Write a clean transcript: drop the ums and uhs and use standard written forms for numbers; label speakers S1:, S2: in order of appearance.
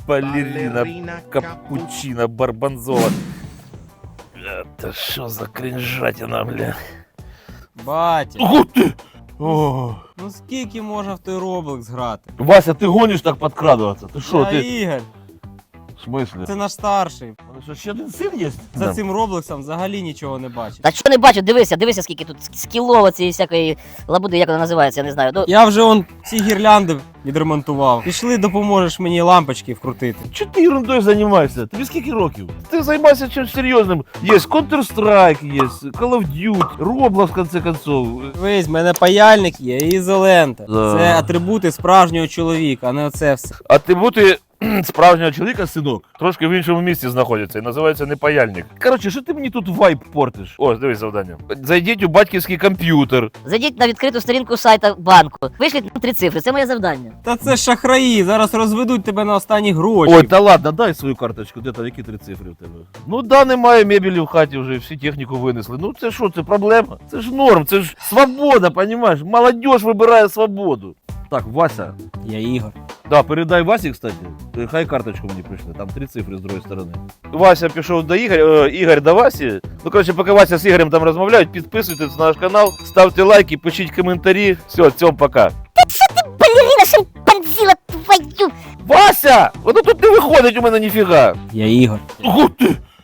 S1: Балерина, капучино, барбанзола. Это что за кринжатина, бля?
S2: Батя,
S1: Ого ти! О.
S2: ну скільки можна в той Roblox грати?
S1: Вася, ти гониш так подкрадуватися? Ти що,
S2: Я
S1: ти?
S2: Ігор,
S1: В смислі?
S2: це наш старший.
S1: У мене що, ще один син є?
S2: За цим Роблоксом взагалі нічого не бачить.
S3: Та що не бачу, дивися, скільки тут скілово цієї всякої лабуди, як вона називається, я не знаю. Ну,
S2: Я вже он всі гірлянди відремонтував. Пішли, допоможеш мені лампочки вкрутити.
S1: Чого ти ерундою займаєшся? Тобі скільки років? Ти займайся чимось серйозним. Є Counter-Strike, є Call of Duty, Roblox, в конце концов.
S2: Вись, в мене паяльник є і ізолента.
S1: Да.
S2: Це атрибути справжнього чоловіка, а не оце все.
S1: А ти бути справжнього чоловіка, синок, трошки в іншому місці знаходиться і називається не паяльник. Коротше, що ти мені тут вайб портиш? Ось, дивись завдання. Зайдіть у батьківський комп'ютер.
S3: зайдіть на відкриту сторінку сайта банку. Вишліть 3 цифри, це моє завдання.
S2: Та це шахраї, зараз розведуть тебе на останні гроші.
S1: Ой, та ладно, дай свою карточку, де там, які 3 цифри в тебе? Ну да, немає мебелі в хаті вже, всі техніку винесли. Ну це що, це проблема? Це ж норм, це ж свобода, понімаєш? Молодіж вибирає свободу. Так, Вася.
S2: Я Ігор.
S1: Да, передай Васі, кстати. Хай карточку мені прийшли, там 3 цифри з другої сторони. Вася пішов до Ігоря, Ігор до Васі. Ну, коротше, поки Вася з Ігорем там розмовляють, підписуйтесь на наш канал, ставте лайки, пишіть коментарі. Все, цьом, пока.
S3: Балерина шимпанзіла твою!
S1: Вася! Воно тут не виходить у мене ніфіга.
S2: Я Ігор.
S1: Ого ти!